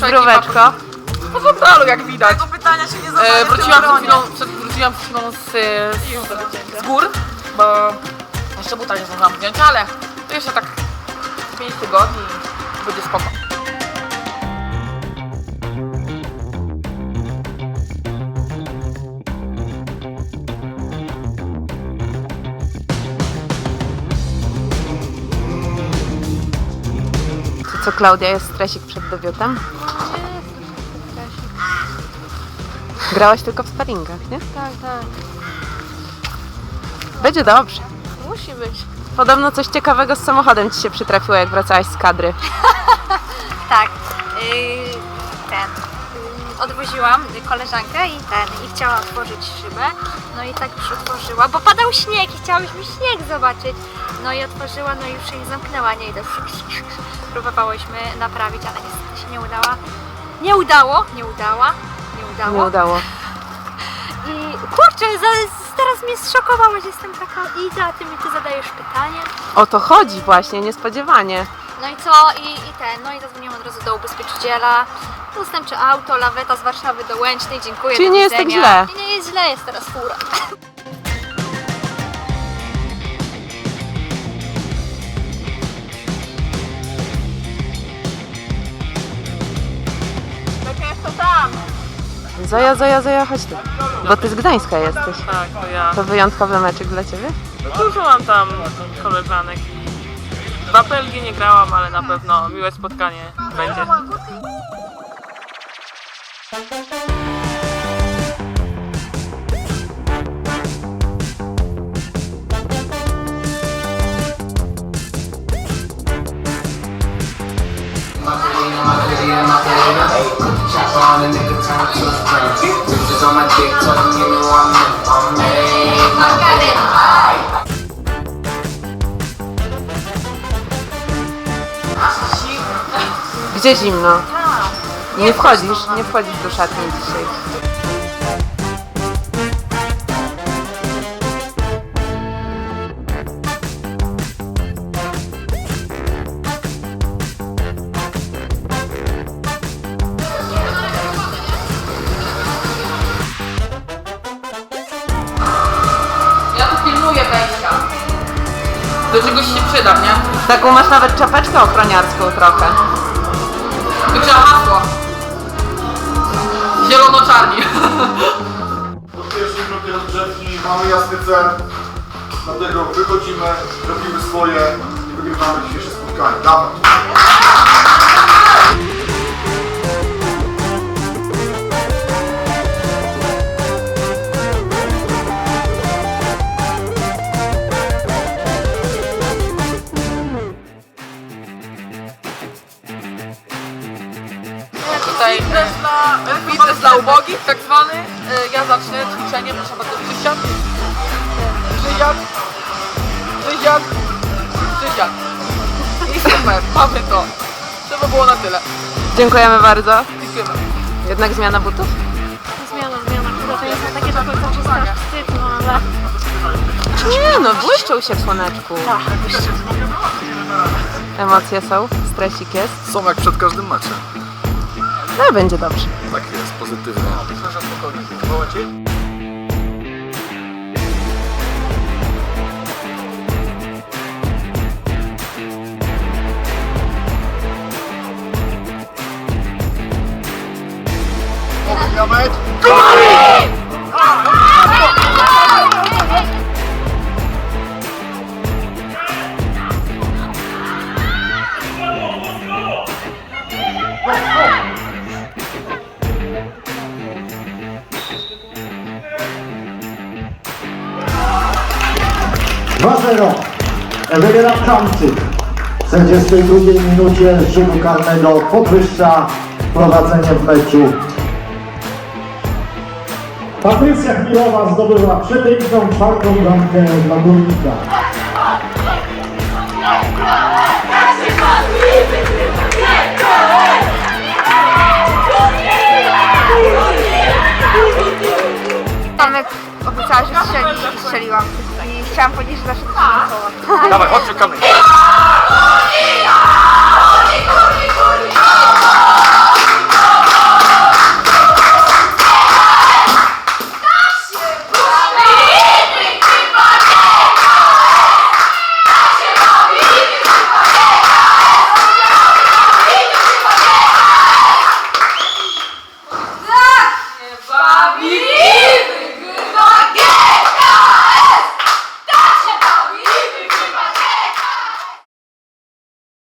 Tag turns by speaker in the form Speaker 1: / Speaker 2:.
Speaker 1: Zdróweczko.
Speaker 2: Po frontalu, jak widać.
Speaker 3: Tego pytania się nie zadaje.
Speaker 2: Wróciłam przed chwilą z gór, bo jeszcze buta nie zdążyłam wziąć, ale to jeszcze tak 5 tygodni i będzie spoko.
Speaker 1: Co, Klaudia, jest stresik przed debiutem? Grałaś tylko w sparingach, nie?
Speaker 4: Tak, tak.
Speaker 1: Będzie dobrze.
Speaker 4: Musi być.
Speaker 1: Podobno coś ciekawego z samochodem ci się przytrafiło, jak wracałaś z kadry.
Speaker 4: Tak. Odwoziłam koleżankę i chciała otworzyć szybę. No i tak już otworzyła, bo padał śnieg i chciałyśmy śnieg zobaczyć. No i otworzyła, no i już jej zamknęła, nie idę. Próbowałyśmy naprawić, ale niestety się nie udała. Nie udało. I kurczę, teraz mnie zszokowałaś, jestem taka Iza, a ty mi zadajesz pytanie.
Speaker 1: O to chodzi właśnie, niespodziewanie.
Speaker 4: No i co? No i zadzwoniłam od razu do ubezpieczyciela. Zastępcze auto, laweta z Warszawy do Łęcznej, dziękuję.
Speaker 1: Czyli
Speaker 4: do
Speaker 1: nie jest tak
Speaker 4: widzenia.
Speaker 1: źle.
Speaker 4: Nie jest źle, jest teraz fura.
Speaker 1: Zoja, chodź tu. Bo ty z Gdańska jesteś.
Speaker 2: Tak, to ja.
Speaker 1: To wyjątkowy meczek dla ciebie?
Speaker 2: Dużo mam tam koleżanek i w apelgi nie grałam, ale na pewno miłe spotkanie będzie.
Speaker 1: Gdzie zimno? Nie wchodzisz do szatni dzisiaj.
Speaker 2: Ja tu pilnuję wejścia. Do czegoś się przyda, nie?
Speaker 1: Taką masz nawet czapeczkę ochroniarską trochę.
Speaker 2: Tu trzeba hasło. Zielono-czarni.
Speaker 5: Do pierwszej grupy rozgrzewki mamy jasny cel, dlatego wychodzimy, robimy swoje i wygrywamy dzisiejsze spotkanie. Dawaj!
Speaker 2: Tutaj fitness dla ubogich, tak zwany. Ja zacznę ćwiczenie, proszę bardzo, przysiad. I super, mamy to. To by było na tyle.
Speaker 1: Dziękujemy bardzo.
Speaker 2: Dziękujemy.
Speaker 1: Jednak zmiana butów?
Speaker 4: Zmiana. Chyba to jest takie do końca czysto wstyd, no ale...
Speaker 1: Nie no, błyszczą się w słoneczku. Emocje są, stresik jest.
Speaker 5: Są jak przed każdym meczem.
Speaker 1: No będzie dobrze.
Speaker 5: Tak jest, pozytywnie. Na mecz!
Speaker 6: Wybiera Kamczyk. W 42 minucie rzutu karnego podwyższa prowadzenie w meczu. Patrycja Chmilowa zdobyła przepiękną czwartą bramkę dla Górnika.
Speaker 4: Tomek obiecała, że strzeli i strzeliłam. I chciałam powiedzieć, że zawsze to się
Speaker 5: Dawaj, chodź, szukamy.